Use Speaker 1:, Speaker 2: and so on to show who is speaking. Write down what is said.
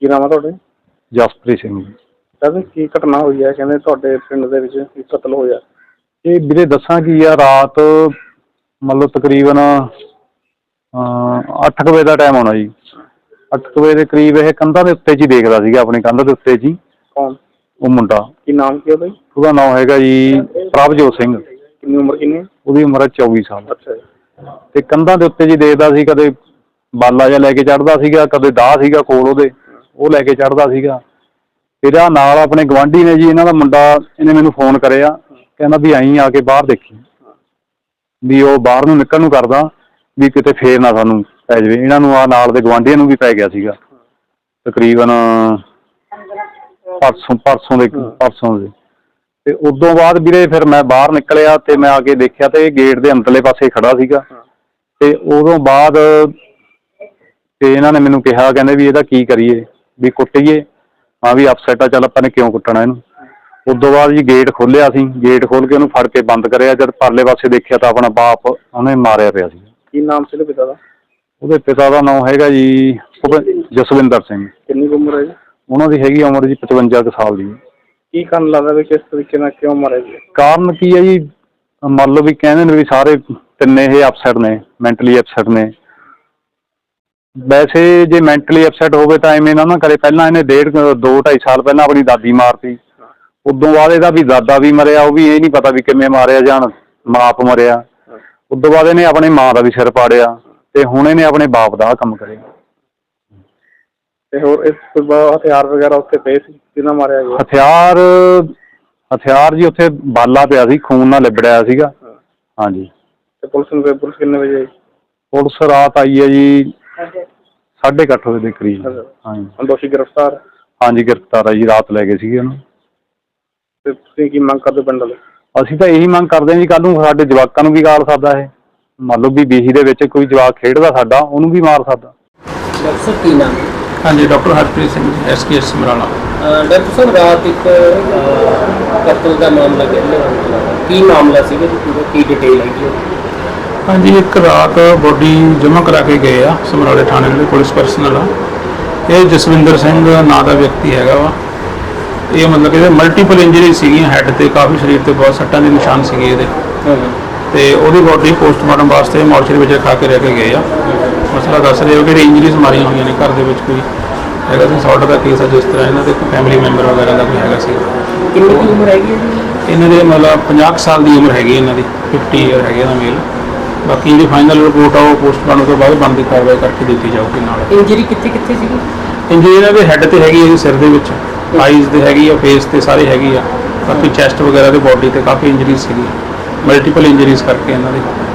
Speaker 1: ਨਾਮ ਹੈ ਤੁਹਾਡੇ?
Speaker 2: ਜਸਪ੍ਰੀਤ ਸਿੰਘ ਜੀ।
Speaker 1: ਸਰ ਕੀ ਘਟਨਾ ਹੋਈ ਹੈ? ਕਹਿੰਦੇ ਤੁਹਾਡੇ ਪਿੰਡ ਦੇ ਵਿੱਚ ਕਤਲ ਹੋਇਆ।
Speaker 2: ਇਹ ਵੀਰੇ ਦੱਸਾਂ ਕੀ ਆ, ਰਾਤ ਮਤਲਬ ਤਕਰੀਬਨ 8 ਵਜੇ ਦਾ ਟਾਈਮ ਹੋਣਾ ਜੀ। 8 ਵਜੇ ਦੇ ਕਰੀਬ ਇਹ ਕੰਧਾਂ ਦੇ ਉੱਤੇ 'ਚ ਹੀ ਦੇਖਦਾ ਸੀਗਾ, ਆਪਣੀ ਕੰਧ ਦੇ ਉੱਤੇ 'ਚ ਹੀ।
Speaker 1: ਕੌਣ?
Speaker 2: ਉਹ ਮੁੰਡਾ।
Speaker 1: ਕੀ ਨਾਮ ਕੀ ਉਹਦਾ?
Speaker 2: ਉਹਦਾ ਨਾਮ ਹੈਗਾ ਜੀ ਪ੍ਰਭਜੋਤ ਸਿੰਘ।
Speaker 1: ਕਿੰਨੀ ਉਮਰ ਕਿੰਨੀ?
Speaker 2: ਉਹਦੀ ਉਮਰ ਹੈ 24 ਸਾਲ।
Speaker 1: ਅੱਛਾ ਜੀ।
Speaker 2: ਤੇ ਕੰਧਾਂ ਦੇ ਉੱਤੇ ਜੀ ਦੇਖਦਾ ਸੀ, ਕਦੇ ਬਾਲਾ ਜਿਹਾ ਲੈ ਕੇ ਚੜ੍ਹਦਾ ਸੀਗਾ, ਕਦੇ ਦਾਹ ਸੀਗਾ ਕੋਲ ਉਹਦੇ, ਉਹ ਲੈ ਕੇ ਚੜ੍ਹਦਾ ਸੀਗਾ। ਇਹਦਾ ਨਾਲ ਆਪਣੇ ਗੁਆਂਢੀ ਨੇ ਜੀ, ਇਹਨਾਂ ਦਾ ਮੁੰਡਾ, ਇਹਨੇ ਮੈਨੂੰ ਫੋਨ ਕਰਿਆ, ਕਹਿੰਦਾ ਵੀ ਆਈ ਆ ਕੇ ਬਾਹਰ ਦੇਖੀ, ਵੀ ਉਹ ਬਾਹਰ ਨੂੰ ਨਿਕਲਣ ਨੂੰ ਕਰਦਾ ਵੀ ਕਿਤੇ ਫੇਰ ਨਾ ਸਾਨੂੰ ਪੈ ਜਾਵੇ। ਇਹਨਾਂ ਨੂੰ ਨਾਲ ਦੇ ਗੁਆਂਢੀਆਂ ਨੂੰ ਵੀ ਪੈ ਗਿਆ ਸੀਗਾ ਤਕਰੀਬਨ ਪਰਸੋਂ ਦੇ। ਤੇ ਉਦੋਂ ਬਾਅਦ ਵੀਰੇ ਫਿਰ ਮੈਂ ਬਾਹਰ ਨਿਕਲਿਆ ਤੇ ਮੈਂ ਆ ਕੇ ਦੇਖਿਆ ਤੇ ਇਹ ਗੇਟ ਦੇ ਅੰਦਰਲੇ ਪਾਸੇ ਖੜਾ ਸੀਗਾ। ਤੇ ਉਦੋਂ ਬਾਅਦ ਤੇ ਇਹਨਾਂ ਨੇ ਮੈਨੂੰ ਕਿਹਾ, ਕਹਿੰਦੇ ਵੀ ਇਹਦਾ ਕੀ ਕਰੀਏ, ਵੀ ਕੁੱਟੀਏ। ਹਾਂ ਵੀ ਅਪਸੈਟ ਆ, ਚੱਲ ਆਪਾਂ ਨੇ ਕਿਉਂ ਕੁੱਟਣਾ ਇਹਨੂੰ। ਉਦੋਂ ਬਾਅਦ ਜੀ ਗੇਟ ਖੋਲਿਆ ਸੀ, ਗੇਟ ਖੋਲ ਕੇ ਉਹਨੂੰ ਫੜ ਕੇ ਬੰਦ ਕਰਿਆ। ਜਦ ਪਰਲੇ ਪਾਸੇ ਦੇਖਿਆ ਤਾਂ ਆਪਣਾ ਬਾਪ ਉਹਨੇ ਮਾਰਿਆ ਪਿਆ ਸੀ।
Speaker 1: ਕੀ ਨਾਮ ਸੀ ਉਹਦੇ ਪਿਤਾ ਦਾ?
Speaker 2: ਉਹਦੇ ਪਿਤਾ ਦਾ ਨਾਮ ਹੈਗਾ ਜੀ ਜਸਵਿੰਦਰ ਸਿੰਘ।
Speaker 1: ਕਿੰਨੀ ਉਮਰ ਹੈ ਜੀ
Speaker 2: ਉਹਨਾਂ ਦੀ? ਹੈਗੀ ਉਮਰ ਜੀ 55 ਕੁ ਸਾਲ ਦੀ।
Speaker 1: ਕੀ ਕਾਰਨ ਲੱਗਦਾ ਵੀ ਕਿਸ ਤਰੀਕੇ ਨਾਲ ਕਿਉਂ ਮਾਰਿਆ ਜੀ?
Speaker 2: ਕਾਰਨ ਕੀ ਹੈ ਜੀ, ਮੰਨ ਲਓ ਵੀ ਕਹਿੰਦੇ ਨੇ ਵੀ ਸਾਰੇ ਤਿੰਨੇ ਇਹ ਅਪਸੈਟ ਨੇ, ਮੈਂਟਲੀ ਅਪਸੈਟ ਨੇ। ਵੈਸੇ ਜੇ ਮੈਂਟਲੀ ਅਪਸੈਟ ਹੋਵੇ ਤਾਂ ਐਵੇਂ ਨਾ ਕਰੇ। ਪਹਿਲਾਂ ਇਹਨੇ 2-2.5 ਸਾਲ ਪਹਿਲਾਂ ਆਪਣੀ ਦਾਦੀ ਮਾਰਤੀ। ਉਦੋਂ ਬਾਅਦ ਇਹਦਾ ਵੀ ਦਾਦਾ ਵੀ ਮਰਿਆ, ਉਹ ਵੀ ਇਹ ਨਹੀਂ ਪਤਾ ਵੀ ਕਿਵੇਂ ਮਾਰਿਆ, ਜਾਂ ਬਾਪ ਮਰਿਆ। ਉਦੋਂ ਬਾਅਦ ਇਹਨੇ ਆਪਣੀ ਮਾਂ ਦਾ ਵੀ ਸਿਰ ਪਾੜਿਆ ਤੇ ਹੁਣ ਇਹਨੇ ਆਪਣੇ ਬਾਪ ਦਾ ਕੰਮ ਕਰਿਆ।
Speaker 1: ਤੇ ਹੋਰ ਇਸ ਤੋਂ ਬਾਅਦ ਹਥਿਆਰ ਵਗੈਰਾ ਉੱਥੇ ਪਏ ਸੀ? ਕਿਹਨਾਂ ਮਾਰਿਆ ਗਿਆ?
Speaker 2: ਹਥਿਆਰ ਜੀ ਉੱਥੇ ਬਾਲਾ ਪਿਆ ਸੀ, ਖੂਨ ਨਾਲ ਲਿਬੜਿਆ ਸੀਗਾ। ਹਾਂਜੀ।
Speaker 1: ਤੇ ਪੁਲਿਸ ਕਿੰਨੇ ਵਜੇ ਆਈ?
Speaker 2: ਪੁਲਿਸ ਰਾਤ ਆਈ ਹੈ ਜੀ 8:30 ਵਜੇ ਦੇ ਕਰੀਬ। ਹਾਂਜੀ।
Speaker 1: ਦੋਸ਼ੀ ਗ੍ਰਿਫਤਾਰ? ਹਾਂਜੀ,
Speaker 2: ਗ੍ਰਿਫਤਾਰ ਹੈ ਜੀ, ਰਾਤ ਲੈ ਗਏ ਸੀਗੇ ਉਹਨੂੰ।
Speaker 1: ਤੇ ਤੁਸੀਂ ਕੀ ਮੰਗ ਕਰਦੇ ਪਿੰਡ ਵਾਲੇ?
Speaker 2: ਅਸੀਂ ਤਾਂ ਇਹੀ ਮੰਗ ਕਰਦੇ ਹਾਂ ਜੀ, ਕੱਲ੍ਹ ਨੂੰ ਸਾਡੇ ਜਵਾਕਾਂ ਨੂੰ ਵੀ ਗਾਲ ਸਕਦਾ ਇਹ। ਮੰਨ ਲਓ ਵੀ ਬੀਹੀ ਦੇ ਵਿੱਚ ਕੋਈ ਜਵਾਕ ਖੇਡਦਾ ਸਾਡਾ, ਉਹਨੂੰ ਵੀ ਮਾਰ ਸਕਦਾ।
Speaker 1: ਡਾਕਟਰ ਸਾਹਿਬ ਕੀ ਨਾਮ?
Speaker 3: ਹਾਂਜੀ, doctor Harpreet Singh, SKS Samrala.
Speaker 1: Doctor ਸਾਹਿਬ ਰਾਤ ਇੱਕ ਕਤਲ ਦਾ ਮਾਮਲਾ ਕੀ ਮਾਮਲਾ ਸੀਗਾ ਜੀ, ਕੀ ਡਿਟੇਲ ਹੈਗੀ?
Speaker 3: ਹਾਂਜੀ, ਇੱਕ ਰਾਤ ਬੋਡੀ ਜਮ੍ਹਾਂ ਕਰਾ ਕੇ ਗਏ ਆ ਸਮਰਾਲੇ ਥਾਣੇ ਦੇ ਪੁਲਿਸ ਪਰਸਨਲ ਆ। ਇਹ ਜਸਵਿੰਦਰ ਸਿੰਘ ਨਾਂ ਦਾ ਵਿਅਕਤੀ ਹੈਗਾ ਵਾ। ਇਹ ਮਤਲਬ ਕਿ ਇਹਦੇ ਮਲਟੀਪਲ ਇੰਜਰੀ ਸੀਗੀਆਂ, ਹੈੱਡ ਤੇ ਕਾਫੀ, ਸਰੀਰ ਤੇ ਬਹੁਤ ਸੱਟਾਂ ਦੇ ਨਿਸ਼ਾਨ ਸੀਗੇ ਇਹਦੇ। ਤੇ ਉਹਦੀ ਬੋਡੀ ਪੋਸਟਮਾਰਟਮ ਵਾਸਤੇ ਮੋਰਚਰੀ ਵਿੱਚ ਰਖਾ ਕੇ ਰਹਿ ਕੇ ਗਏ ਆ। ਮਸਲਾ ਦੱਸ ਰਹੇ ਹੋ ਕਿ ਇੰਜਰੀਜ਼ ਮਾਰੀਆਂ ਹੋਈਆਂ ਨੇ, ਘਰ ਦੇ ਵਿੱਚ ਕੋਈ ਹੈਗਾ ਸੀ ਸੌਟ ਦਾ ਕੇਸ ਆ, ਜਿਸ ਤਰ੍ਹਾਂ ਇਹਨਾਂ ਦੇ ਕੋਈ ਫੈਮਿਲੀ ਮੈਂਬਰ ਵਗੈਰਾ ਦਾ ਕੋਈ ਹੈਗਾ ਸੀ।
Speaker 1: ਕਿੰਨੀ ਉਮਰ ਹੈਗੀ ਹੈ
Speaker 3: ਇਹਨਾਂ ਦੇ? ਮਤਲਬ 50 ਸਾਲ ਦੀ ਉਮਰ ਹੈਗੀ ਇਹਨਾਂ ਦੀ, 50 ਈਅਰ ਹੈਗੇ ਦਾ ਮੇਲ। ਬਾਕੀ ਜਿਹੜੀ ਫਾਈਨਲ ਰਿਪੋਰਟ ਆ ਉਹ ਪੋਸਟਮਾਰਟਮ ਤੋਂ ਬਾਅਦ ਬਣਦੀ ਕਾਰਵਾਈ ਕਰਕੇ ਦਿੱਤੀ ਜਾਊਗੀ। ਨਾਲ
Speaker 1: ਇੰਜਰੀ ਕਿੱਥੇ ਸੀਗੀ?
Speaker 3: ਇੰਜਰੀ ਇਹਨਾਂ ਦੇ ਹੈੱਡ ਤੇ ਹੈਗੀ ਹੈ, ਸਿਰ ਦੇ ਵਿੱਚ, ਆਈਜ਼ ਤੇ ਹੈਗੀ ਆ, ਫੇਸ ਤੇ ਸਾਰੇ ਹੈਗੀ ਆ। ਬਾਕੀ ਚੈਸਟ ਵਗੈਰਾ ਤੇ ਬੋਡੀ ਤੇ ਕਾਫੀ ਇੰਜਰੀਜ਼ ਸੀਗੀ, ਮਲਟੀਪਲ ਇੰਜਰੀਜ਼ ਕਰਕੇ ਇਹਨਾਂ ਦੇ।